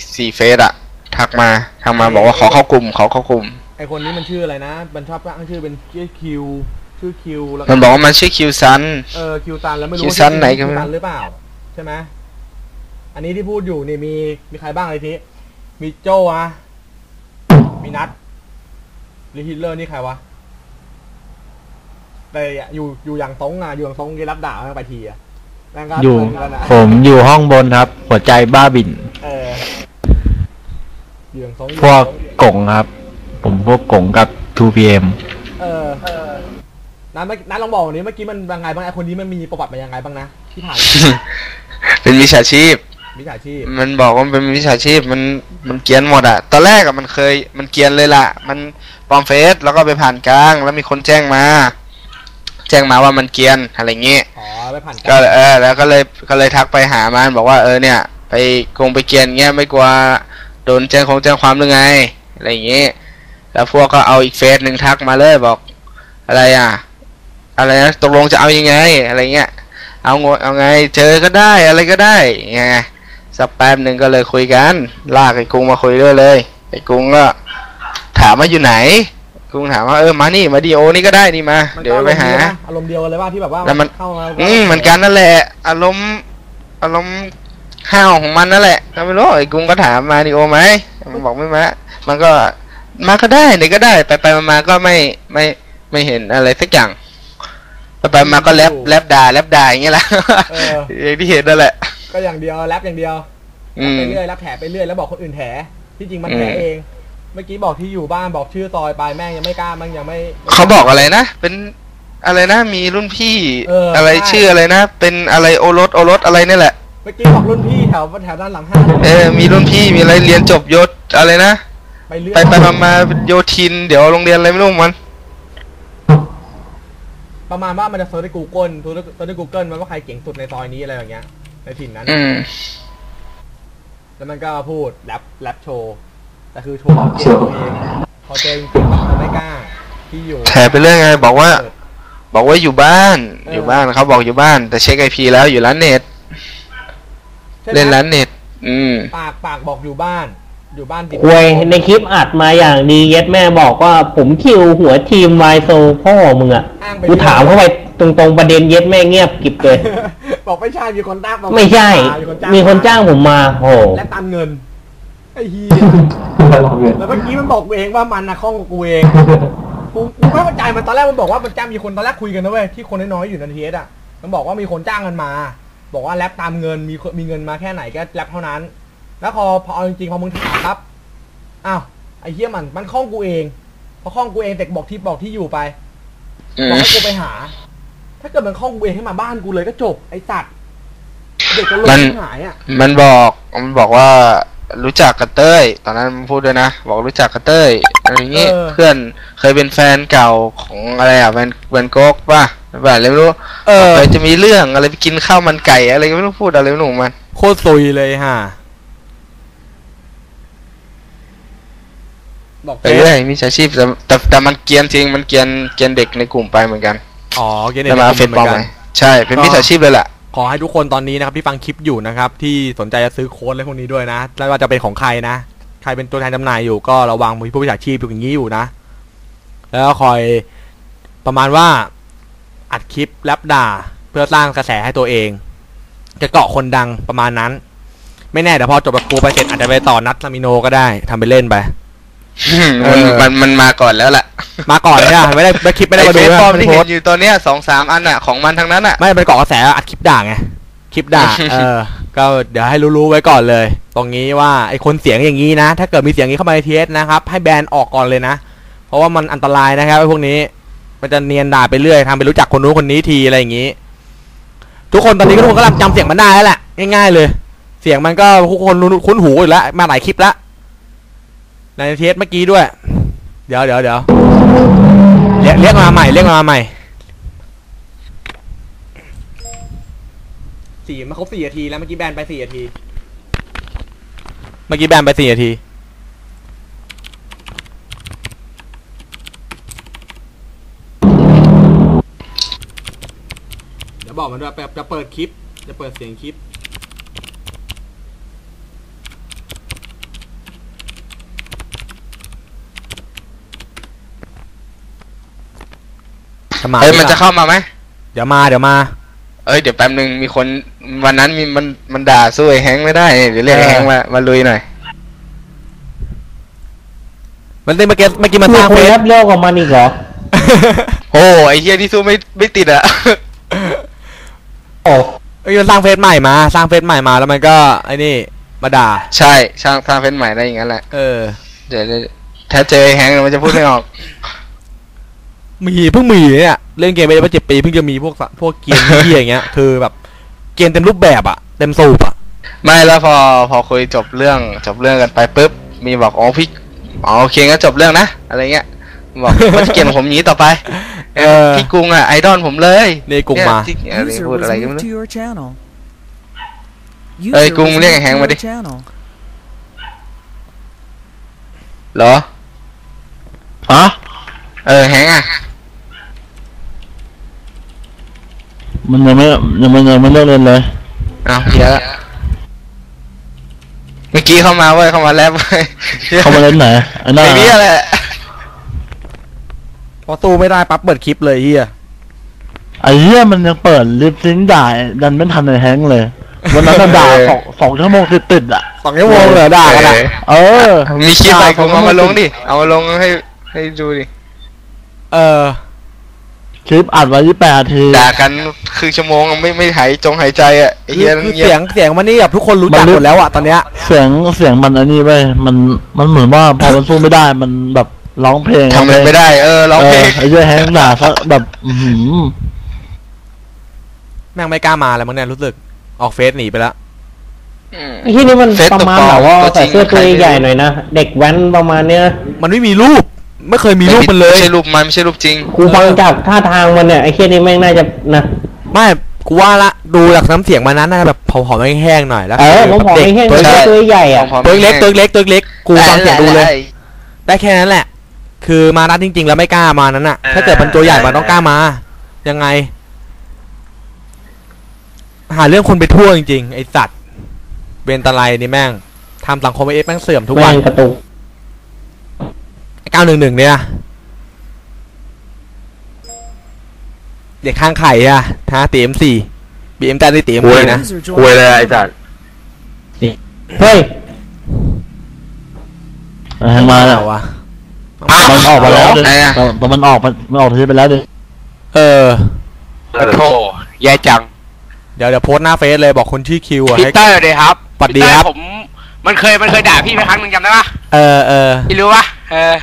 4เฟซอะทักมาบอกว่าขอเข้ากลุ่มไอคนนี้มันชื่ออะไรนะมันชอบตั้งชื่อเป็นชื่อคิวแล้วมันบอกว่ามันชื่อคิวซันคิวซันแล้วไม่รู้คิวซันไหนกันคิวซันหรือเปล่าใช่ไหมอันนี้ที่พูดอยู่นี่มีใครบ้างไอ้ทีมีโจ้อะมีนัทหรือฮิตเลอร์นี่ใครวะแต่อยู่อย่างตรงอะอยู่อย่างตรงกีรับด่าไปทีอะอยู่ผมอยู่ห้องบนครับหัวใจบ้าบิ่นอยู่อย่างตรงพวกกงครับผมพวกกงกับ 2PM นัทลองบอกนี้เมื่อกี้มันยังไงบ้างไอคนนี้มันมีประวัติมายังไงบ้างนะที่ผ่านเป็นวิชาชีพมันบอกว่าเป็นวิชาชีพมันเกียนหมดอะตอนแรกอะมันเกียนเลยล่ะมันปลอมเฟซแล้วก็ไปผ่านกลางแล้วมีคนแจ้งมาว่ามันเกียนอะไรเงี้ยไปผ่านก็แล้วก็เลยทักไปหามันบอกว่าเนี่ยไปไปเกียนเงี้ยไม่กลัวโดนแจ้งความหรือไงอะไรเงี้ยแล้วพวกก็เอาอีกเฟซหนึ่งทักมาเลยบอกอะไรนะตกลงจะเอายังไงอะไรเงี้ยเอาไงเจอก็ได้อะไรก็ได้ไงสักแป๊บหนึ่งก็เลยคุยกันลากไอ้กุ้งมาคุยด้วยเลยไอ้กุ้งก็ถามว่าอยู่ไหนกุ้งถามว่ามานี่มาดีโอนี่ก็ได้นี่มาเดี๋ยวไปหาอารมณ์เดียวเลยว่าที่แบบว่าแล้วมันเข้ามาเหมือนกันนั่นแหละอารมณ์ห้าวของมันนั่นแหละก็ไม่รู้ไอ้กุ้งก็ถามมาดีโอไหมมันบอกไม่มามันก็มาก็ได้ไหนก็ได้ไปมาก็ไม่เห็นอะไรสักอย่างไปมาก็แลบด่าอย่างเงี้ยแหละอย่างที่เห็นนั่นแหละก็อย่างเดียวแรปอย่างเดียวไปเรื่อยแรปแถไปเรื่อยแล้วบอกคนอื่นแถที่จริงมันแถเองเมื่อกี้บอกที่อยู่บ้านบอกชื่อซอยไปแม่งยังไม่กล้ามันยังไม่เขาบอกอะไรนะเป็นอะไรนะมีรุ่นพี่อะไรชื่ออะไรนะเป็นอะไรโอรสอะไรนี่แหละเมื่อกี้บอกรุ่นพี่แถวด้านหลังห้างมีรุ่นพี่มีอะไรเรียนจบยศอะไรนะไปมาโยทินเดี๋ยวโรงเรียนอะไรไม่รู้มันประมาณว่ามันจะเซิร์ชใน Google มันว่าใครเก่งสุดในซอยนี้อะไรอย่างเงี้ยในถิ่นนั้นแล้วมันก็พูดแรปโชว์แต่คือโชว์เก่งตัวเองพอเจอจริงๆมันไม่กล้าที่อยู่แถไปเรื่องไงบอกว่าอยู่บ้านเขาบอกอยู่บ้านแต่เช็ค IP แล้วอยู่ร้านเน็ตเล่นร้านเน็ตปากบอกอยู่บ้านดิคุยในคลิปอัดมาอย่างดีเย็ดแม่บอกว่าผมคิวหัวทีมไวโซพ่อมึงอ่ะกูถามเข้าไปตรงประเด็นเย็ดแม่เงียบกิบเลยบอกไม่ใช่มีคนจ้างไม่ใช่มีคนจ้างผมมาโหและตันเงินไอ้เหี้ยแล้วเมื่อกี้มันบอกเองว่ามันนะข้องกับกูเองกูไม่เข้าใจมันตอนแรกมันบอกว่ามันจ้างมีคนตอนแรกคุยกันนะเว้ยที่คนน้อยๆอยู่ในทีเอสอ่ะมันบอกว่ามีคนจ้างกันมาบอกว่าแรปตามเงินมีเงินมาแค่ไหนก็แรปเท่านั้นแล้วพอเอาจริงๆพอมึงถามครับอ้าวไอ้เหี้ยมันข้องกูเองพอข้องกูเองแต่บอกที่อยู่ไปบอกให้กูไปหาถ้าเกิดมันข้องกูเองให้มาบ้านกูเลยก็จบไอ้สัตว์เด็กก็เลยหายอ่ะมันบอกว่ารู้จักกับเต้ยตอนนั้นมันพูดด้วยนะบอกรู้จักกับเต้ยอะไรเงี้ยเพื่อนเคยเป็นแฟนเก่าของอะไรแวนโก๊กป่ะแบบอะไรไม่รู้จะมีเรื่องอะไรไปกินข้าวมันไก่อะไรก็ไม่รู้พูดอะไรไม่รู้มันโคตรซุยเลยฮะบอกไปเรื่อยมีอาชีพแต่มันเกียนจริงมันเกียนเด็กในกลุ่มไปเหมือนกันเกียนเด็กในกลุ่มเหมือนกันใช่เป็นมิจฉาชีพเลยแหละขอให้ทุกคนตอนนี้นะครับที่ฟังคลิปอยู่นะครับที่สนใจจะซื้อโค้ดอะไรพวกนี้ด้วยนะไม่ว่าจะเป็นของใครนะใครเป็นตัวแทนจำหน่ายอยู่ก็ระวังมีผู้มิจฉาชีพอย่างนี้อยู่นะแล้วคอยประมาณว่าอัดคลิปแรปด่าเพื่อสร้างกระแสให้ตัวเองจะเกาะคนดังประมาณนั้นไม่แน่เดี๋ยวพอจบกับกูไปเสร็จอาจจะไปต่อนัดลามิโนก็ได้ทำไปเล่นไปมันมาก่อนแล้วแหละมาก่อนเนี่ยไม่ได้คลิปไม่ได้มาดูนะที่เห็นอยู่ตอนเนี้ย 2-3 อันอ่ะของมันทั้งนั้นอ่ะไม่ไปเกาะกระแสอัดคลิปด่าไงคลิปด่าก็เดี๋ยวให้รู้ไว้ก่อนเลยตรงนี้ว่าไอคนเสียงอย่างนี้นะถ้าเกิดมีเสียงนี้เข้ามาในเทสนะครับให้แบนออกก่อนเลยนะเพราะว่ามันอันตรายนะครับไอพวกนี้มันจะเนียนด่าไปเรื่อยทำไปรู้จักคนนู้นคนนี้ทีอะไรอย่างนี้ทุกคนตอนนี้ทุกคนก็จำเสียงมันได้แล้วแหละง่ายๆเลยเสียงมันก็ทุกคนคุ้นหูอยู่แล้วมาหลายคลิปแล้วในเทสเมื่อกี้ด้วยเดี๋ยวเรียกมาใหม่มาครบ4 นาทีแล้วเมื่อกี้แบนไป4 นาทีเดี๋ยวบอกมันด้วยจะเปิดคลิปจะเปิดเสียงคลิปมามันจะเข้ามาไหมเดี๋ยวมาเดี๋ยวแป๊บนึงมีคนวันนั้นมันด่าสู้ไอ้แฮงค์ไม่ได้เดี๋ยวเรียกไอ้แฮงค์มาลุยหน่อยมันเมื่อกี้มันสร้างเฟเฟซซเลิกกับมันอีกเหรอโอ้ไอ้เหี้ยที่สู้ไม่ติดอะโอ้มันสร้างเฟซใหม่มาแล้วมันก็ไอ้นี่มาด่าใช่สร้างเฟซใหม่ได้อย่างนั้นแหละ เดี๋ยวถ้าเจอไอ้แฮงค์มันจะพูดไม่ออกเพิ่งมีเนี่ยเล่นเกมไปได้7 ปีเพิ่งจะมีพวกเกมเหี้ยอย่างเงี้ยคือแบบเกมเต็มรูปแบบอะเต็มสูบอะไม่แล้วพอคุยจบเรื่องกันไปปุ๊บมีบอกอ๋อพี่โอเคงั้นจบเรื่องนะอะไรเงี้ยบอกว่าจะเกลียดผมนี้ต่อไปพี่กรุงอ่ะไอดอลผมเลยนี่กรุงมาอะไรพูดอะไรกันไม่รู้กรุงเรียกไอ้แฮงค์มาดิเหรอแฮงค์อ่ะมันยังไม่เลิกเล่นเลยเยอะเมื่อกี้เข้ามาแรปเข้ามาเล่นไหนไอ้นั่นไอ้นี่แหละพอตู้ไม่ได้ปั๊บเปิดคลิปเลยเฮียไอ้เหี้ยมันยังเปิดลิปซิงค์ด่าดันไม่ทันไอ้แฮงค์เลยวันนั้นด่า2 ชั่วโมงติดอ่ะ 2 ชั่วโมงเลยด่ากันมีคลิปอะไรกูเอามาลงดิเอามาลงให้ดูดิคลิปอัดไว้28 นาทีด่ากันคือชั่วโมงไม่หายใจอ่ะไอ้เหี้ยคือเสียงมันนี่แบบทุกคนรู้จักหมดแล้วอ่ะตอนเนี้ยเสียงมันอันนี้ไปมันเหมือนว่าพอมันสู้ไม่ได้มันแบบร้องเพลงทำไม่ได้ร้องเพลงไอ้เหี้ยแฮงค์ด่าซะแบบแม่งไม่กล้ามาแล้วมั้งเนี่ยรู้สึกออกเฟซหนีไปแล้วไอ้ที่นี่มันประมาณแบบว่าใส่เสื้อตัวใหญ่หน่อยนะเด็กแว้นประมาณเนี้ยมันไม่มีรูปไม่เคยมีรูปมันเลยไม่ใช่รูปมันไม่ใช่รูปจริงกูฟังจากท่าทางมันเนี่ยไอ้เคียนี่แม่งน่าจะนะไม่กูว่าละดูจากน้ำเสียงมันนั้นน่าจะแบบผอมๆแห้งๆหน่อยแล้วผมผอมแห้งๆตัวใหญ่อะตัวเล็กกูฟังเสียงดูเลยได้แค่นั้นแหละคือมานัดจริงๆแล้วไม่กล้ามานั้นน่ะถ้าเกิดมันตัวใหญ่มันต้องกล้ามายังไงหาเรื่องคนไปทั่วจริงๆไอสัตว์เบนตะไลนี่แม่งทำสังคมแม่งเสื่อมทุกวันกระตุก 911เนี่ยเด็กข้างไข่อะตีM4 BM จ่าได้ตี M4 นะคุยเลยไอ้จัดเฮ้ยมาแล้ววะมันออกมาแล้วแต่มันออกทีไปแล้วดิโธ่แย่จังเดี๋ยวโพสหน้าเฟซเลยบอกคนชื่อคิวอะพีเตอร์เลยครับสวัสดีครับผมมันเคยด่าพี่ไปครั้งนึงจำได้ปะพี่รู้ปะ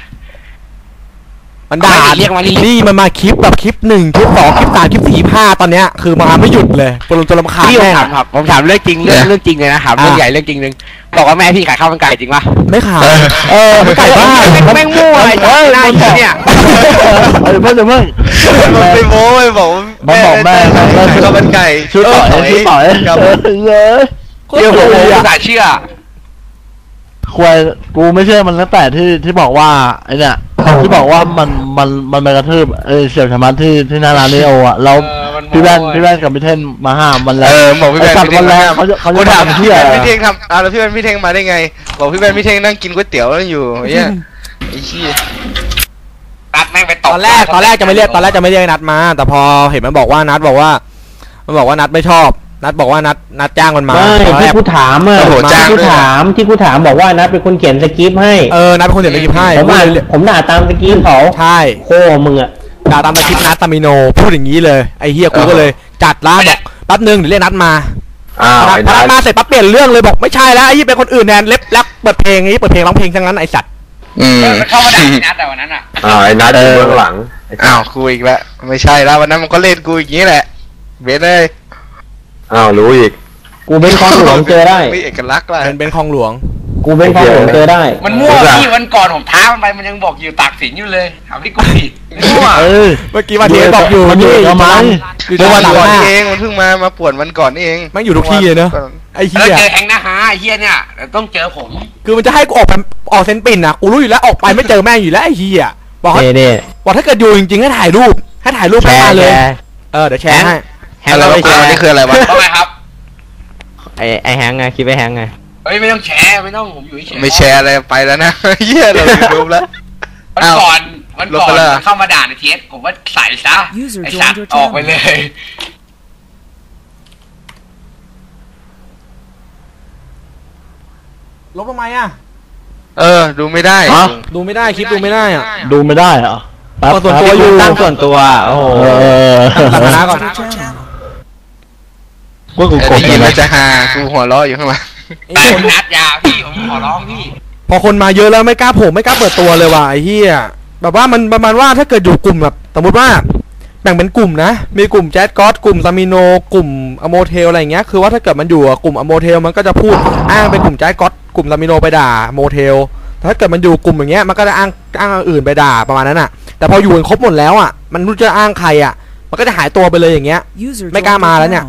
มันด่าเรียกมานี่มันมาคลิปแบบคลิป1คลิป2คลิป3คลิป4 5ตอนเนี้ยคือมาไม่หยุดเลยจนรำคาญแม่ผมถามเรื่องจริงเรื่องจริงเลยนะถามเรื่องใหญ่เรื่องจริงนึงบอกว่าแม่พี่ขายข้าวมันไก่จริงปะไม่ขายมันไก่บ้าแม่งมั่วไอ้หน้าเนี่ยเพิ่งมันไปโม้ไปบอกแม่ข้าวมันไก่ชื่อต่อยเดี๋ยวผมจะเชื่อควายกูไม่เชื่อมันตั้งแต่ที่บอกว่าไอ้เนี่ยที่บอกว่ามันไปกระทืบเสี่ยวชะมัดที่หน้าร้านนี้อ่ะแล้วพี่แว่นกับพี่เท่งมาห้ามมันแล้วบอกพี่แว่นมันแล้วเขาจะถามพี่เท่งทำแล้วพี่แว่นพี่เท่งมาได้ไงบอกพี่แว่นพี่เท่งนั่งกินก๋วยเตี๋ยวอยู่เนี่ยไอ้ชี้นัดแม่งไปตอนแรกจะไม่เรียกนัดมาแต่พอเห็นมันบอกว่านัดนัดไม่ชอบนัดบอกว่านัดจ้างมันมาที่กูถามที่กูถามบอกว่านัดเป็นคนเขียนสคริปต์ให้นัดเป็นคนเขียนสคริปต์ให้ผมด่าตามสคริปต์เขาใช่โค้มึงอะด่าตามสคริปต์นัดตามิโนพูดอย่างนี้เลยไอ้เฮียกูก็เลยจัดร้านบอกแป๊บนึงเดี๋ยวเรียกนัดมานัดมาเสร็จปั๊บเปลี่ยนเรื่องเลยบอกไม่ใช่แล้วไอ้ยี่เป็นคนอื่นแทนเล็บแรปเปิดเพลงร้องเพลงทั้งนั้นไอ้สัตว์เข้ามาด่านัดแต่วันนั้นไอ้นัดอยู่เบื้องหลังกูอีกแล้วไม่ใช่แล้ววันนั้นมันก็เล่นกูอย่างนี้แหละเบสเลยรู้อีกกูเป็นคลองหลวงเจอได้มีเอกลักษณ์ว่ะเป็นคลองหลวงกูเป็นคลองหลวงเจอได้มันมั่วพี่วันก่อนผมท้ามันไปมันยังบอกอยู่ตากสินอยู่เลยถามพี่กูผิดมั่วเมื่อกี้วันนี้บอกอยู่นี่ทำไมเมื่อวันก่อนเองมันเพิ่งมาป่วนวันก่อนเองมันอยู่ทุกที่เลยเนอะไอ้เหี้ยเจอแฮงนะฮะไอ้เหี้ยเนี่ยต้องเจอผมคือมันจะให้กูออกเซนปินนะกูรู้อยู่แล้วออกไปไม่เจอแม่งอยู่แล้วไอ้เหี้ยบอกถ้าเกิดอยู่จริงๆให้ถ่ายรูปมาเลยเดี๋ยวแชร์ให้อะไรวะนี่คืออะไรวะทำไมครับไอแฮงไงคิดไปแฮงไงไม่ต้องแชร์ไม่ต้องผมอยู่เฉยไม่แชร์อะไรไปแล้วนะเหี้ยเรายูทูบแล้ววันก่อนมันเข้ามาด่าในเทสผมว่าใส่ซะไอ้สัตว์ออกไปเลยลบทำไมอ่ะดูไม่ได้ดูไม่ได้คลิปดูไม่ได้อ่ะดูไม่ได้เหรอส่วนตัวอยู่ตั้งส่วนตัวโอ้โหตั้งฐานะก่อนว่ากูกได้ดยินเลแล้วยจะฮากูหัวเราะอยู่ข้างหลังแต่นัดยาพี่ผมขอร้องพี่พอคนมาเยอะแล้วไม่กล้าโผล่ไม่กล้าเปิดตัวเลยว่ะไอ้เหี้ยแบบว่ามันประมาณว่าถ้าเกิดอยู่กลุ่มแบบสมมติว่าแบ่งเป็นกลุ่มนะมีกลุ่มแจ๊ดก๊อตกลุ่มซามิโนกลุ่มอโมเทลอะไรอย่างเงี้ยคือว่าถ้าเกิดมันอยู่กลุ่มอโมเทลมันก็จะพูดอ้างเป็นกลุ่มแจ๊ดก๊อตกลุ่มซามิโนไปด่าโมเทลถ้าเกิดมันอยู่กลุ่มอย่างเงี้ยมันก็จะอ้างอื่นไปด่าประมาณนั้นอ่ะแต่พออยู่กันครบหมดแล้วอ่ะมันรู้จะอ้างใครอ่ะมันก็จะหายตัวไปเลยอย่างเงี้ย ไม่กล้ามาแล้วเนี่ย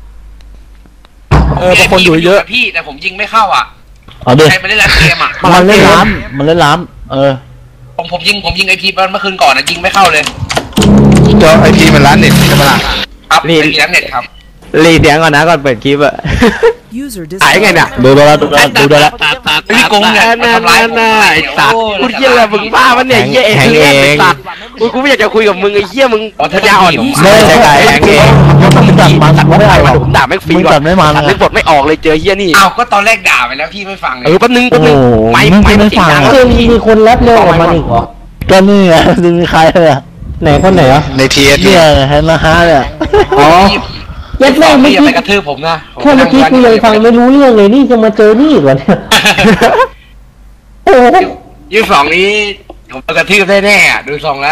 บางคนอยู่เยอะพี่แต่ผมยิงไม่เข้าอ่ะเอาดิใครมาเล่นร้านเกมอ่ะมันเล่นล้ำมันเล่นล้ำผมยิงไอพีเมื่อคืนก่อนนะยิงไม่เข้าเลยเจ้าไอพีมันร้านเน็ตใช่ปะล่ะครับไม่มีน้ำเน็ตครับรีเสียงก่อนนะก่อนเปิดคลิปอะหายไงเนี่ยดูแล้วพี่กงเนี่ยทำร้ายผมไอ้สัตว์กูเหี้ยอะไรมึงบ้ามันเนี่ยเหี้ยเองไอ้สัตว์กูไม่อยากจะคุยกับมึงไอ้เหี้ยมึงปัญญาอ่อนไม่ใช่ไงแข่งเองมึงจัดมันไม่ได้หรอกผมด่าแม่งฟรีมึงก่อจันดไม่มันนึกบทไม่ออกเลยเจอเหี้ยนี่อ้าวก็ตอนแรกด่าไปแล้วพี่ไม่ฟังเลยแป๊บนึงโอ้โหไม่มึงไม่ไม่ฟังคือมีคนแรปเร็วกว่ามันอีกเหรอก็นี่ไงมีใครเลยไหนคนไหนอ่ะในทีเอสเนี่ยเห็นนะฮะเนี่ยอ๋อเย็ดแม่งเมื่ออย่ากี้ไปกระทืบผมนะแค่เมื่อกี้กูยังฟังไม่รู้เรื่องเลยนี่จะมาเจอนี่อีกเหรอเนี่ยโอ้โห 22นี้ผมกระทืบแน่ๆอ่ะดูทรงแล้ว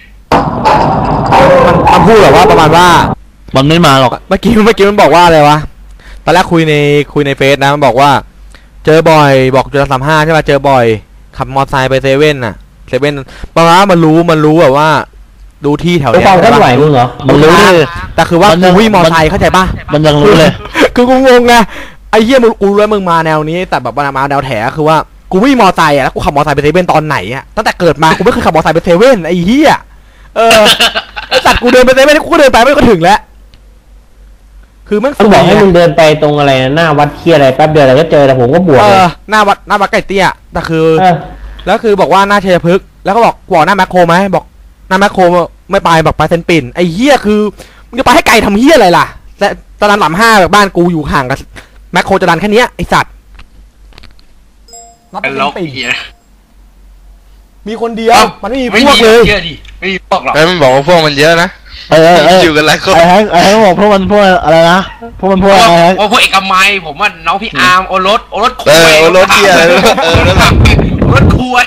มันพูดแบบว่าประมาณว่ามันไม่มาหรอกเมื่อกี้มันบอกว่าอะไรวะตอนแรกคุยในเฟซนะมันบอกว่า เจอบ่อยบอกจุด35ใช่ป่ะเจอบ่อยขับมอเตอร์ไซค์ไปเซเว่นน่ะเซเว่นประมาณว่ามันรู้แบบว่า ดูที่แถวไปเนี้ยฟังเคลื่อนไหวมึงเหรอมันรู้ดิแต่คือว่ากูวิ่งมอเตอร์ไซค์เข้าใจป่ะมันยังรู้เลยคือกูงงไงไอ้เหี้ยมึงกูรู้แล้วมึงมาแนวนี้แต่แบบมาแนวแถคือว่ากูวิ่งมอเตอร์ไซค์อะแล้วกูขับมอเตอร์ไซค์ไปเซเว่นตอนไหนอะตั้งแต่เกิดมากูไม่เคยขับมอเตอร์ไซค์ไปเซเว่นไอ้เหี้ยไอ้สัตว์กูเดินไปเซเว่นกูก็เดินไปไม่ก็ถึงแล้วคือมันมันบอกให้มึงเดินไปตรงอะไรนะหน้าวัดเคียอะไรแป๊บเดียวแล้วก็เจอแต่ผมก็บวกเลยหน้าวัดไก่เตี้ยแต่คือเออแล้วคือบอกว่าหน้าชัยพฤกษ์แล้วก็บอกหน้าแมคโครไหมบอกหน้าแมคโครไม่ไปบอกไปเซนปิ่นไอ้เหี้ยคือมึงจะไปให้ไกลทำเหี้ยอะไรล่ะแต่ตอนนั้น35แบบบ้านกูอยู่ห่างกับแมคโครจะดันแค่เนี้ยไอ้สัตว์นับเป็เป็น นลบปิ่นเหี้ยมีคนเดียวมันไม่มีพวกเลยเชื่อดิไม่มีพวกหรอกแล้วมันบอกว่าพวกมันเยอะนะ อยู่กันหลายคนไอ้แฮงบอกพวกมันพวกอะไรนะพวกมันพวกอะไรว่าพวกเอกมัยผมว่าน้องพี่อาร์มโอรสคุยโอรสเหี้ยอะไรนั่นแหละโอรสคุย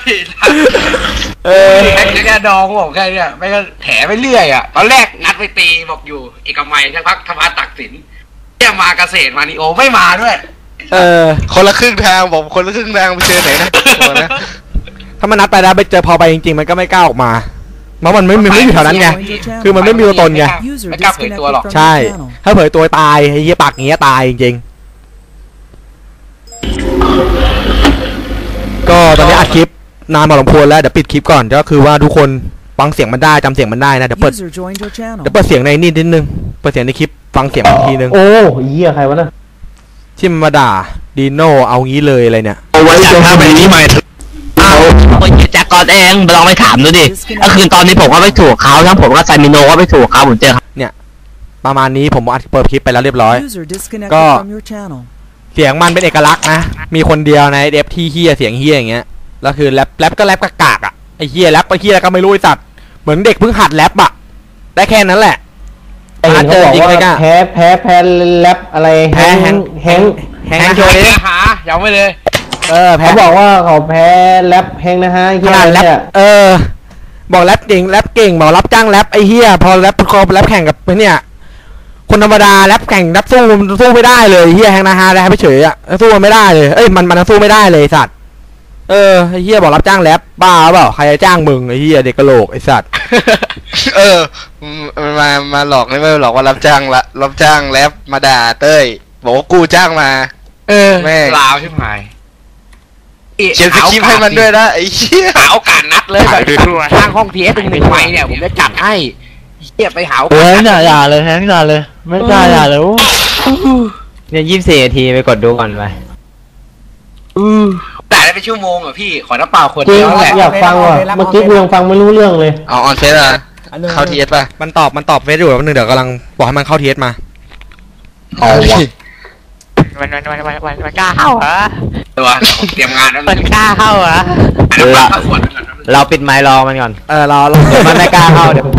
แค่ดองบอกแค่เนี้ยไม่ก็แถไปเรื่อยอ่ะตอนแรกนัดไปตีบอกอยู่เอกมัยสักพักธรรมะตักสินเนี่ยมาเกษตรมานิโอไม่มาด้วยคนละครึ่งทางบอกคนละครึ่งทางไปเจอไหนนะบอกนะถ้ามันนัดไปแล้วไปเจอพอไปจริงๆมันก็ไม่กล้าออกมาเพราะมันไม่อยู่แถวนั้นไงคือมันไม่มีตัวตนไงไม่กล้าเผยตัวหรอกใช่ถ้าเผยตัวตายไอ้เหี้ยปากอย่างเงี้ยตายจริงๆก็ตอนนี้อัดคลิปนานพอสมควรแล้วเดี๋ยวปิดคลิปก่อนก็คือว่าทุกคนฟังเสียงมันได้จำเสียงมันได้นะเดี๋ยวเปิดเสียงในนี่นิดนึงเปิดเสียงในคลิปฟังเสียงอีกทีนึงโอ้เหี้ยใครวะน่ะที่มันมาด่าดีโน่เอางี้เลยอะไรเนี่ยเอาไว้จะทำแบบนี้ใหม่คนจากก่อนเองลองไปถามดูดิก็คือตอนนี้ผมก็ไม่ถูกเขาทั้งผมก็ไซมิโนก็ไม่ถูกเขาผมเจอประมาณนี้ผมอัดเปิดคลิปไปแล้วเรียบร้อย ก็ เสียงมันเป็นเอกลักษณ์นะมีคนเดียวในเดฟที่เฮียเสียงเฮียอย่างเงี้ยแล้วคือแรปก็แรปกากๆอ่ะไอ้เฮียแรปไอ้เฮียก็ไม่รู้ไอ้สัตว์เหมือนเด็กเพิ่งหัดแรปอ่ะได้แค่นั้นแหละแต่เห็นเขาบอกว่าแพ้แรปอะไรแฮงโชว์ดิหายังไม่เลยแพ้เขาบอกว่าเขาแพ้แรปแฮงนะฮะขนาดแรปบอกแรปเก่งบอกรับจ้างแรปไอ้เฮียพอแรปแข่งกับเนี่ยคนธรรมดาแรปแข่งแรปสู้ไม่ได้เลยเฮียแฮงนะฮะแรปไปเฉยอ่ะสู้มันไม่ได้เลยมันสู้ไม่ได้เลยสัตว์ไอ้เฮียบอกรับจ้างแรปบ้าเปล่าใครจะจ้างมึงไอ้เฮียเด็กกะโหลกไอ้สัตว์มาหลอกไม่หลอกว่ารับจ้างแรปมาด่าเต้ยบอกว่ากูจ้างมาแม่ลาวใช่ไหมเขียนสคริปต์ให้มันด้วยนะไอ้เหี้ยหาโอกาสนัดเลยแบบทางห้องทีเอสเป็น1 ไมค์เนี่ยผมจะจัดให้เฮียไปหาโอกาโอ้สยเนี่ยอย่าเลยแฮงอย่าเลยไม่กล้าอย่าเลยเนี่ย24 นาทีไปกดดูก่อนไปแต่ได้เป็นชั่วโมงอ่ะพี่ขอน้ำเปล่าขวดจริเดีงยวแหละอยากฟังว่ะเมื่อกี้กูยังฟังไม่รู้เรื่องเลยเอาออนเฟสอะเข้าทีเอสป่ะมันตอบเฟซอยู่แป๊บนึงเดี๋ยวกำลังบอกให้มันเข้าทีเอสมาเอาวะมันกล้าเข้าเหรอตัวเตรียมงานแล้วมันกล้าเข้าเหรอน้ำเปล่าขวดเราปิดไมค์รอมันก่อนเราเดี๋ยวมันไม่กล้าเข้าเดี๋ยว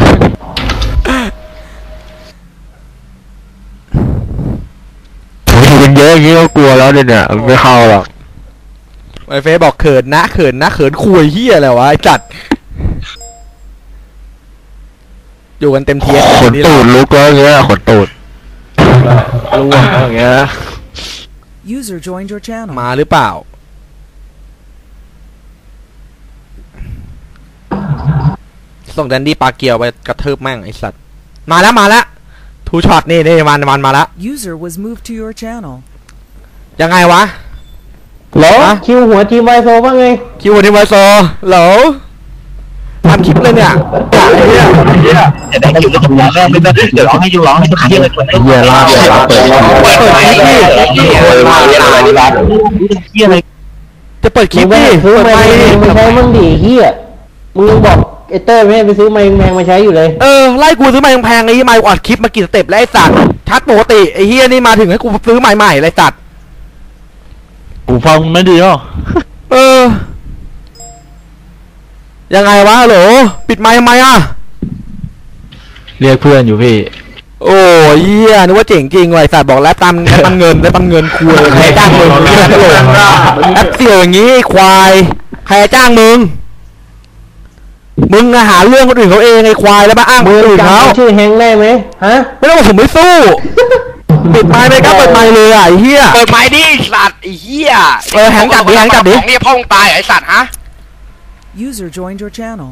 อยู่กันเยอะอย่างนี้ก็กลัวแล้วเนี่ยไม่เข้าหรอกไอ้เฟซบอกเขินนะเขินคุยเฮียอะไรวะไอ้จัดอยู่กันเต็มทีเอสขนตูดลุกแล้วอย่างเงี้ยขนตูดร่วงแล้วอย่างเงี้ย User joined your channel. มาหรือเปล่าส่งแดนดี้ปลาเกียวไปกระทืบแม่งไอ้สัตว์มาแล้วทูช็อตนี่มันมาแล้ว User was moved to your channel. ยังไงวะเหรอคิวหัวทีมไวโซว่าไงคิวทีมไวโซเหรอทำคลิปเลยเนี่ยจะได้คิวแล้วจะร้องไม่ได้เดี๋ยวร้องให้ทุกครั้งเลยเหี้ยลาบเปิดจะเปิดคลิปมึงดิไปซื้อไมค์มาใช้มึงดิเฮียมึงบอกไอ้เต้ยไม่ให้ไปซื้อไมค์แพงมาใช้อยู่เลยไล่กูซื้อไมค์แพงๆไอ้ไมค์อัดคลิปมากี่สเต็ปแล้วไอ้สัตว์ชัดปกติไอ้เฮียนี่มาถึงให้กูซื้อไมค์ใหม่เลยสัตว์หูฟังไม่ดีหรอยังไงวะฮัลโหลปิดไมค์ทำไมอ่ะเรียกเพื่อนอยู่พี่โอ้ยเหี้ยนึกว่าเจ๋งจริงว่ะไอ้สัตว์บอกแล้วตามเงินคุยใครจ้างมึงแอปเสี่ยวอย่างงี้ควายใครจ้างมึงหาเรื่องคนอื่นเขาเองไอ้ควายแล้วมาอ้างคนอื่นเขาชื่อแฮงได้ไหมฮะไม่ต้องบอกผมไม่สู้ปิดไมค์เลยก็เปิดไมค์เลยอ่ะไอ้เหี้ยเปิดไม้ดิสัตว์ไอ้เหี้ยแหงจับดิของนี่พ่อมึงตายไอ้สัตว์ฮะ User joined your channel.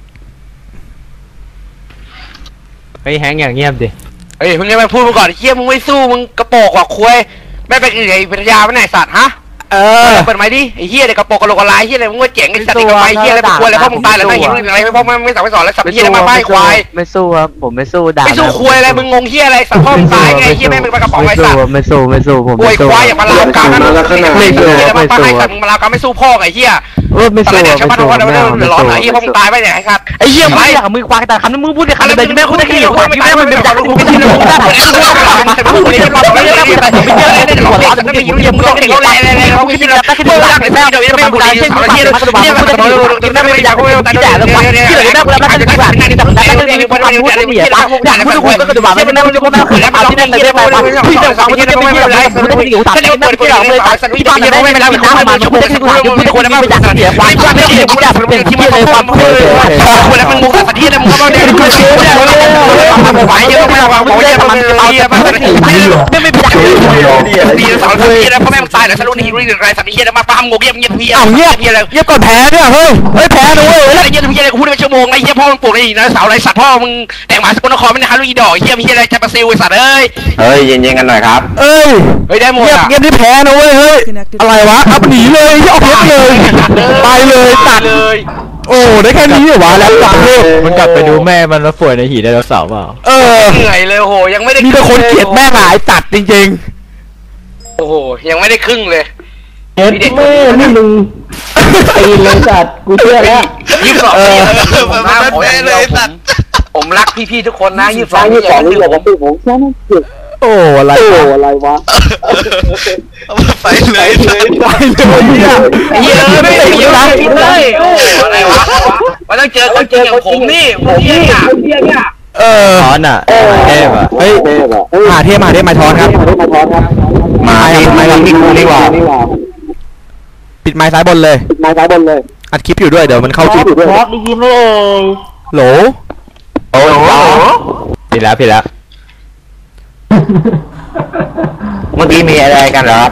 เฮ้ยแฮงอย่างเงียบดิเฮ้ยมึงยังไม่พูดมาก่อนไอ้เหี้ยมึงไม่สู้มึงกระโปงกว่าคุยไม่เป็นไอ้ปัญญาไม่ไหนสัตว์ฮะเปิดไม้ดิไอ้เหี้ยเด็กกระโปงกระโหลกกระลายเหี้ยอะไรมึงว่าเจ๋งไอ้สัตว์ไอ้กระไม้เหี้ยอะไรเป็นคุยอะไรพ่อมึงตายแล้วไม่เห็นอะไรพ่อไม่สั่งไม่สอนแล้วสัตว์เหี้ยมาป้ายควายไม่สู้ครับผมไม่สู้ด่าไม่สู้คุยอะไรมึงงงเหี้ยอะไรสัตว์พ่อมึงตายไงเหี้ยแม่งเป็นกระป๋องไอ้สัตว์ไม่สู้ผมโวยควายอย่ามาลามกามนะไม่สู้ไม่สู้สัตว์มึงมาลามกามไม่สู้พ่อไอ้เหี้ยไม่ตอนสู้แรกชาวบ้านทุกคนเดือดร้อนไอ้เหี้ยพ่อมึงตายไปเนี่ยไอ้สัตว์ไอ้เหี้ยไม่อยากมือควางแต่คำนั้นมึงพูดแต่คำนั้นไม่พูดได้แค่ควางไม่ได้มันเป็นจากลูกไม่ใช่ลูกได้มึงพูดได้ไม่ได้ไม่ได้ไม่ได้ไม่ได้หัวร้อนไม่อยู่ยังมึงต้องเก่งเลยเขาไม่คิดแล้วแต่ที่มึงรักเลยแม่เดี๋ยวยังไม่พูดได้เช่นเหี้ยเหี้ยมันจะกินได้ไม่อยากพูดแต่ที่ด่าแล้วที่เหลือแม่กูแล้วแม่จะด่าที่แต่แล้วก็มีคนพูดได้ไม่อยากด่าพูดก็จะด่าไม่ได้ไม่ได้ไม่ได้คือแล้วเอาที่นั่นเลยได้ไปที่จะฟังที่นั่นไม่ได้ไม่ได้ไม่อยู่ตัดที่นั่นที่เราไม่ตัดที่บ้านไม่ได้ไม่ได้ไม่ได้พูดได้ที่พูดคนแล้วไม่อยากเสียความไม่ได้พูดได้เป็นที่ไม่เลยความพูดคนแล้วมันมุกสัตว์ที่นั่นมึงก็ไม่ได้พูดเสียไม่ไหวยังไม่วางบอกยังมันเอาเยอะมากไม่อยากดีสองทีแล้วพ่อแม่มึงตายแล้วสรุปนี่รู้อะไรสัตว์นี่เฮียมาป้ามงงเงียบพี่เงียบก่อนแพ้เนี่ยเฮ้ยแพ้นะเว้ยไอ้เฮียเฮียกูพูดเป็นชั่วโมงไอ้เฮียพ่อมึงปลูกไอ้นะสาวไรสัตว์พ่อมึงแต่งหมาสกลนครไม่ได้ฮารุอีดอกเฮียมีอะไรจะมาซิลไอ้สัตว์เอ้ยเฮ้ยเย็นๆกันหน่อยครับเฮ้ยได้หมดเงียบที่แพ้นะเว้ยเฮ้ยอะไรวะอัพหนีเลยเอาเพชรเลยไปเลยตัดเลยโอ้ได้แค่นี้เหรอวะแล้วตัดเลยมันกลับไปดูแม่มันแล้วป่วยในหีไดโนเสาร์เปล่าเหนื่อยเลยโอ้โหยังไม่ได้มีแต่คนเกลียดแม่งหายตัดจริงโอ้โหยังไม่ได้ครึ่งเลยเอ็ดแม่นี่มึงตีเลยจัดกูเชื่อแล้ว 22ผมรักพี่ๆทุกคนนะ22นี่อย่าลืมผมๆโอ้อะไรวะไปเลยเนี่ยเฮียไม่ได้ยินนะเลยอะไรวะมันต้องเจอคนจริงอย่างผมนี่ผมเนี่ยทอนอ่ะเทพอ่ะเฮ้ยมาเทพมาทอนครับมามีกูนี่หว่าปิดไม้ซ้ายบนเลยอัดคลิปอยู่ด้วยเดี๋ยวมันเข้าคลิปพอดได้ยินไหมโหลโอ้โหผิดแล้วเมื่อกี้มีอะไรกันเหรอ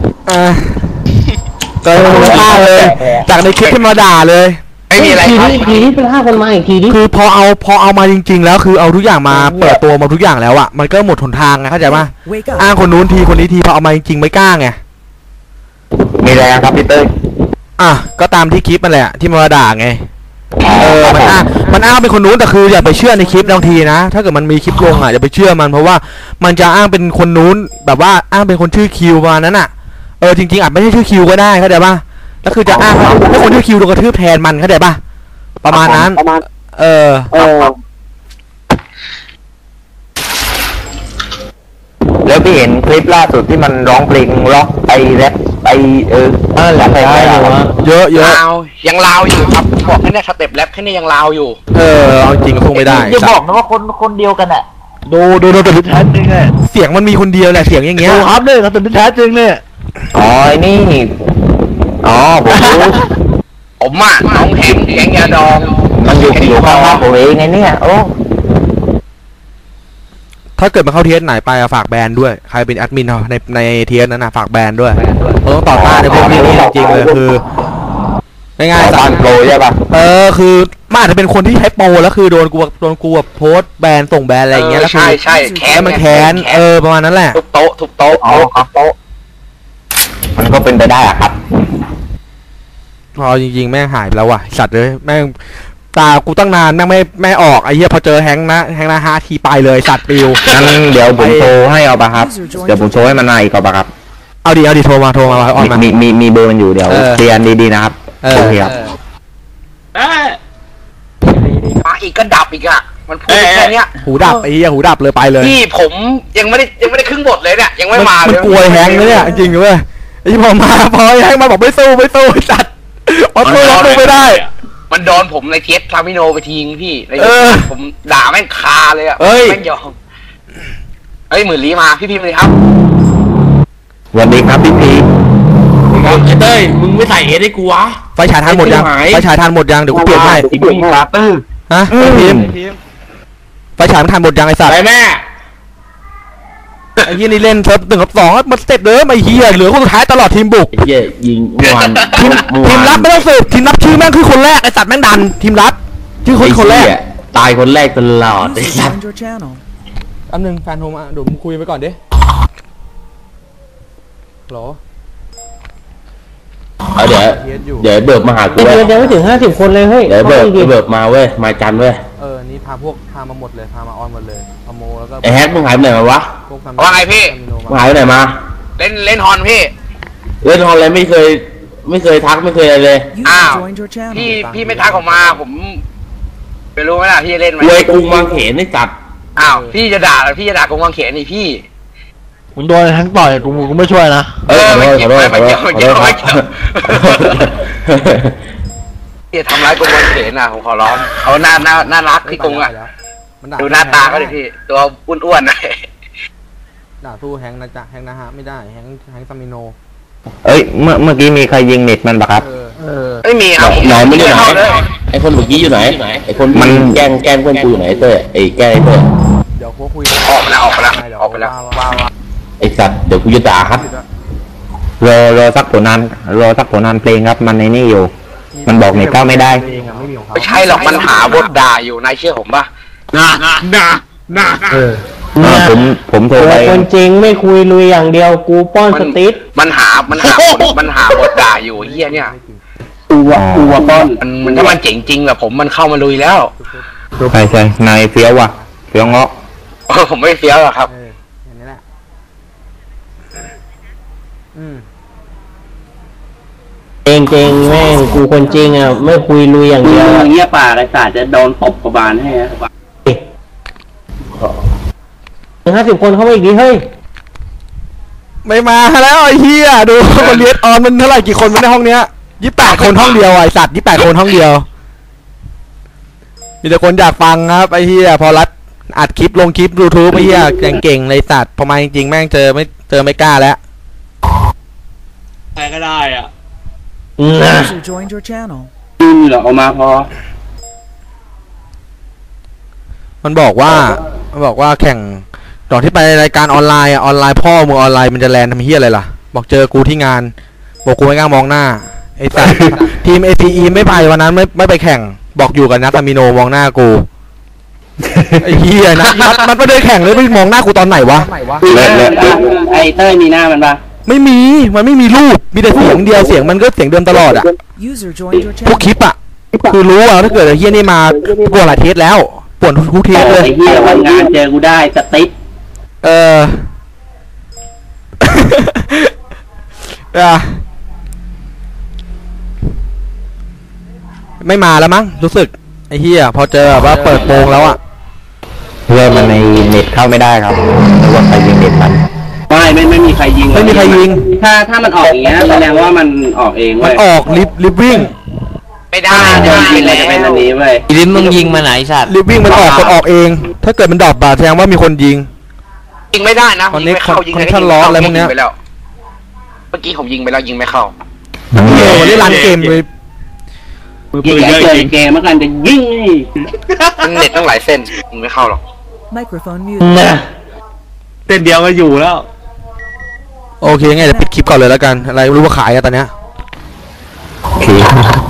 ก็ฆ่าเลยจากในคลิปที่มาด่าเลยไม่มีอะไรทีนี้เป็น5 คนมาอีกทีนี้คือพอเอามาจริงๆแล้วคือเอาทุกอย่างมาเปิดตัวมาทุกอย่างแล้วอ่ะมันก็หมดหนทางไงเข้าใจป่ะ Wake อ้าง up. คนนู้นทีคนนี้ทีพอเอามาจริงๆไม่กล้าไงมีอะไรครับพี่เต้ยก็ตามที่คลิปมันแหละที่มาด่าไงมันอ้างเป็นคนนู้นแต่คืออย่าไปเชื่อในคลิปบางทีนะถ้าเกิดมันมีคลิปลงอย่าไปเชื่อมันเพราะว่ามันจะอ้างเป็นคนนู้นแบบว่าอ้างเป็นคนชื่อคิวประมาณนั้นจริงๆอาจไม่ใช่ชื่อคิวก็ได้เข้าใจป่ะแล้วคือจะอ้างให้คนที่คิวโดนกระทืบแทนมันเข้าใจป่ะประมาณนั้นแล้วพี่เห็นคลิปล่าสุดที่มันร้องเพลงร็อกไปแรปไปแรปไปได้เหรอเยอะยังลาวอยู่ครับบอกแค่นี้สเต็ปแรปแค่นี้ยังลาวอยู่เอาจริงก็คงไม่ได้อย่าบอกนะว่าคนเดียวกันอะดูตัวแท้จริงเลยเสียงมันมีคนเดียวแหละเสียงอย่างเงี้ยดูครับเลยตัวแท้จริงเนี่ยนี่ผมอ่ะน้องแข็งยาดองมันอยู่ข้างบ้านผมเองไงเนี่ยโอ้ถ้าเกิดมาเข้าเทสไหนไปฝากแบนด้วยใครเป็นแอดมินในเทสนั้นนะฝากแบนด้วยต้องต่อต้านในพวกนี้จริงเลยคือง่ายๆบ้านโปรใช่ป่ะคือมันอาจจะเป็นคนที่ใช้โปรแล้วคือโดนกูแบบโพสแบนส่งแบนอะไรอย่างเงี้ยแล้วใช่แค้นมันแค้นประมาณนั้นแหละทุบโต๊ะโต๊ะมันก็เป็นไปได้อะครับพอจริงๆแม่งหายไปแล้วว่ะสัตว์เลยแม่งตากูตั้งนานแม่งไม่ออกไอ้เหี้ยพอเจอแฮงนะ5 ทีไปเลยสัตว์ปิวงั้นเดี๋ยวผมโทรให้เอาป่ะครับเดี๋ยวผมโทรให้มันมาอีกเอาป่ะครับเอาดิโทรมาออนมามีเบอร์มันอยู่เดี๋ยวเคลียร์ดีๆนะครับโอเคครับมาอีกก็ดับอีกอะมันพูดแค่นี้หูดับไอ้เหี้ยหูดับเลยไปเลยพี่ผมยังไม่ได้ครึ่งบทเลยเนี่ยยังไม่มาเลยมันกลัวแฮงเลยเนี่ยจริงๆเว้ยไอ้พอแฮงมาบอกไม่สู้สัตว์สู้ไม่ได้มันโดนผมในเทสคามิโนไปทิ้งพี่ผมด่าแม่งคาเลยอะแม่งยอมหมื่นลี้มาพี่พิมพ์เลยครับสวัสดีครับพี่พีไอ้เต้ยมึงไม่ใส่เอสให้กูวะไฟฉายทานหมดยังเดี๋ยวกูเปลี่ยนให้ฮะพิมพ์ไฟฉายมันทานหมดยังไอ้สัตว์ไปแม่ไอ้เหี้ยนี่เล่นเซิร์ฟ1 กับ 2มันสเต็ปเดิมไอ้เหี้ยเหลือคนสุดท้ายตลอดทีมบุกเหี้ยยิงวันทีมรับไม่ต้องสืบทีมรับชื่อแม่งคือคนแรกไอ้สัตว์แม่งดันทีมรับชื่อคนแรกตายคนแรกตลอดไอ้สัตว์อันนึงแฟนโทรมาเดี๋ยวมึงคุยไปก่อนดิหรอเดี๋ยวเบิกมาหากูยังไม่ถึง50 คนเลยเฮ้ยเดี๋ยวเบิกมาเว้ยมาจันเว้ยนี่พามาหมดเลยพามาออนหมดเลยพาโมแล้วก็ไอแฮกมึงหายไปไหนมาวะว่าไงพี่มึงหายไปไหนมาเล่นฮอนพี่เล่นฮอนเลยไม่เคยทักไม่เคยอะไรเลยอ้าวพี่ไม่ทักออกมาผมไปรู้ไหมล่ะพี่เล่นไหมรวยกุ้งวางเขนนี่จัดอ้าวพี่จะด่ากุ้งวางเขนนี่พี่มึงโดนทั้งต่อยกูไม่ช่วยนะไม่เกี่ยวพี่ทำร้ายกุ้งวางเขนผมขอร้องเขาน่ารักที่กุ้งอ่ะดูหน้าตาเขาดิพี่ตัวอ้วนๆหน่อยด่าสู้แฮงนะจ๊ะแฮงนะฮะไม่ได้แฮงซามิโนเมื่อกี้มีใครยิงเน็ตมันปะครับไม่มีครับไหนไม่อยู่ไหนไอคนเมื่อกี้อยู่ไหนไอคนมันแกล้งเพื่อนกูอยู่ไหนเต้ไอแกล้งเต้เดี๋ยวคุยออกไปแล้วไอสัตว์เดี๋ยวกูจะด่าครับรอสักผลงานเพลงครับมันในนี่อยู่มันบอกเน็ตเข้าไม่ได้ไม่ใช่หรอกมันหาบทด่าอยู่นายเชื่อผมป่ะผมโทรไปคนจริงไม่คุยลุยอย่างเดียวกูป้อนสติ๊ดมันหาบทด่าอยู่เฮียเนี่ยกูว่าป้อนมันถ้ามันเจ๋งจริงแบบผมมันเข้ามาลุยแล้วใช่นายเฟี้ยวว่ะเฟี้ยวเงาะผมไม่เฟี้ยวหรอกครับอย่างนี้แหละจริงแม่งกูคนจริงอ่ะไม่คุยลุยอย่างเดียวเงี้ยป่าไรศาสตร์จะโดนตบกบาลให้ 50 คนเข้ามาอีกดิเฮ้ยไม่มาแล้วไอ้เหี้ยดูคนเรียนออนมันเท่าไหร่กี่คนในห้องเนี้ย28 คนห้องเดียวไอ้สัตว์28 คนห้องเดียวมีแต่คนอยากฟังครับไอ้เหี้ยพอรัดอัดคลิปลงคลิป YouTube ไอ้เหี้ยเก่งเลยสัตว์พอมาจริงๆแม่งเจอไม่กล้าแล้วใครก็ได้อ่ะเหรอเอามาพอมันบอกว่าแข่งตอนที่ไปรายการออนไลน์พ่อมึงออนไลน์มันจะแลนทำเฮียอะไรล่ะบอกเจอกูที่งานบอกกูไม่กล้ามองหน้าไอ้สัสทีม ATE ไม่ไปวันนั้นไม่ไปแข่งบอกอยู่กับนัทมิโนมองหน้ากูไอ้เฮียนะมันไม่ได้แข่งเลยไม่มองหน้ากูตอนไหนวะไอ้เต้ยมีหน้ามันปะไม่มีรูปมีแต่เสียงเดียวเสียงมันก็เสียงเดิมตลอดอ่ะพวกคลิปอ่ะคือรู้ว่าถ้าเกิดไอ้เฮียนี่มาปวดหลายเทสแล้วปวดทุกเทสเลยไอ้เฮียวันงานเจอกูได้สติ๊กไม่มาแล้วมั้งรู้สึกไอ้เหี้ยพอเจอแบบว่าเปิดโปงแล้วอ่ะเพื่อนมันในเน็ตเข้าไม่ได้ครับนึกว่าใครยิงเน็ตมันไม่มีใครยิงไม่มีใครยิงถ้ามันออกอย่างเงี้ยแสดงว่ามันออกเองเว้มันยออกลิฟวิ่งไม่ได้จะยิงมันจะเป็นอันนี้เว้ยลิ้นมึงยิงมาไหนสัตว์ลิฟวิ่งมันออกกดออกเอง ถ้าเกิดมันดรอปบาแสดงว่ามีคนยิงยิงไม่ได้นะตอนนี้ยิงไม่เข้ายิงคอนเทนต์ล้ออะไรพวกเนี้ยไปแล้วเมื่อกี้ผมยิงไปแล้วยิงไม่เข้าเหี้ยวันนี้รันเกมเลยยิงแค่เจอเกมเมื่อกันจะยิงนี่มันเน็ตตั้งหลายเส้นยิงไม่เข้าหรอก Microphone muted. นะเต้นเดียวก็อยู่แล้วโอเคไงเดี๋ยวปิดคลิปก่อนเลยแล้วกันอะไรไม่รู้ว่าขายอะตอนเนี้ยโอเค